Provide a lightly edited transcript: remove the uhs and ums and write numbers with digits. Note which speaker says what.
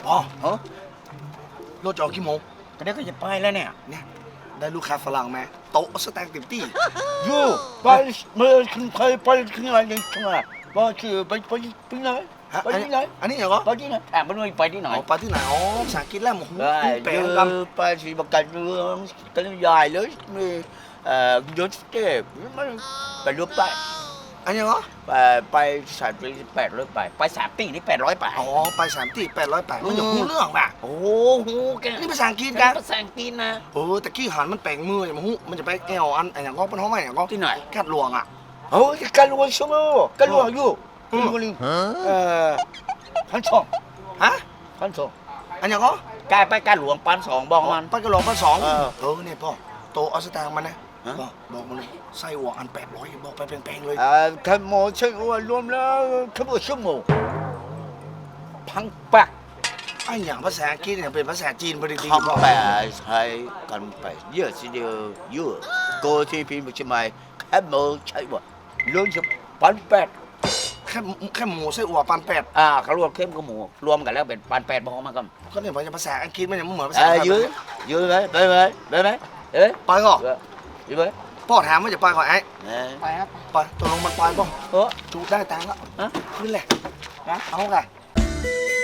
Speaker 1: พ่อ
Speaker 2: เออ
Speaker 1: รถจะออกกี่โมง
Speaker 2: ก็ได้ก็จะไปแล้วเนี่ย
Speaker 1: เนี่ยได้ลูกค้าฝรั่งไหมโต๊ะสแต็กเต็มที่
Speaker 2: อยู่ไปเมื่อคุณเคยไปที่ไหนยังไงว่าคือไปที่ไหน
Speaker 1: ฮะ
Speaker 2: ไปที่ไหน
Speaker 1: อันนี้เหรอ
Speaker 2: ไปที่ไหนถามมันว่าไปที่ไหน
Speaker 1: อ๋อไปที่ไหนอ๋อภาษาอังกฤษแล้วโอ้โห
Speaker 2: ได้
Speaker 1: แปล
Speaker 2: เย
Speaker 1: ง
Speaker 2: อะ
Speaker 1: กัน
Speaker 2: ไปสิบกันเรื่องกันใหญ่เลยมียศเจ็บมันไปรถไป
Speaker 1: อันนี้เหรอ
Speaker 2: ไปสามปี800ไป3 ปีนี่800ไป
Speaker 1: อ๋อไป3 ที่800มันอย่างหูเรื่องป่ะ
Speaker 2: โอ้โหแก
Speaker 1: นี่ภาษาอังกฤษกัน
Speaker 2: ภาษาอังกฤษนะ
Speaker 1: โอ้แต่กี้หันมันแปลงมืออย่างหูมันจะไปแอวอันอย่างก็เป็นห้องใหม่อย่างก็
Speaker 2: ที่ไหน
Speaker 1: กัดหลวงอ่ะ
Speaker 2: โอ้ยการลวงชั่วโมงการลวงอยู่การลวงลิงพันสอง
Speaker 1: ฮะ
Speaker 2: พันสอง
Speaker 1: อันอย่างก็
Speaker 2: กลายไปการหลวงปันสองบอกมัน
Speaker 1: ไปกระหลวงไป2
Speaker 2: เออ
Speaker 1: เนี่ยพ่อโตเอาสตางค์มานะ
Speaker 2: ฮะ
Speaker 1: บอกมันเลยไส้หัวอัน800บอกไปแพงๆเลย
Speaker 2: ขโมยใช่ว่ารวมแล้วขโมยชั่วโมงพังปัก
Speaker 1: ไอ้อย่างภาษาอังกฤษเนี่ยเป็นภาษาจีนพอดี
Speaker 2: คำแปลใช้กันไปเยอะทีเดียวเยอะโกที่พิมพ์ใช่ไหมขโมยใช่บ่เรื่องจะปันแปด
Speaker 1: แค่หมูไส้หัวปัน8
Speaker 2: เขารวมเข้มกับหมูรวมกันแล้วเป็นปันแปดบอกมากัน
Speaker 1: ก็เนี่ยภาษาอังกฤษมันยังไม่เหมือนภาษาไทย
Speaker 2: ยื้อไหมไปไหมเอ๊ะ
Speaker 1: ไปก็
Speaker 2: ยื้อไหม
Speaker 1: พ่อถามว่าจะไปก่อนไอ้
Speaker 3: ไปครับ
Speaker 1: ไปตกลงมันไปป่ะ
Speaker 2: เออ
Speaker 1: จูได้ตังค์แล้ว
Speaker 2: ฮะ
Speaker 1: ขึ้นเลย
Speaker 2: ฮะ
Speaker 1: เอาไง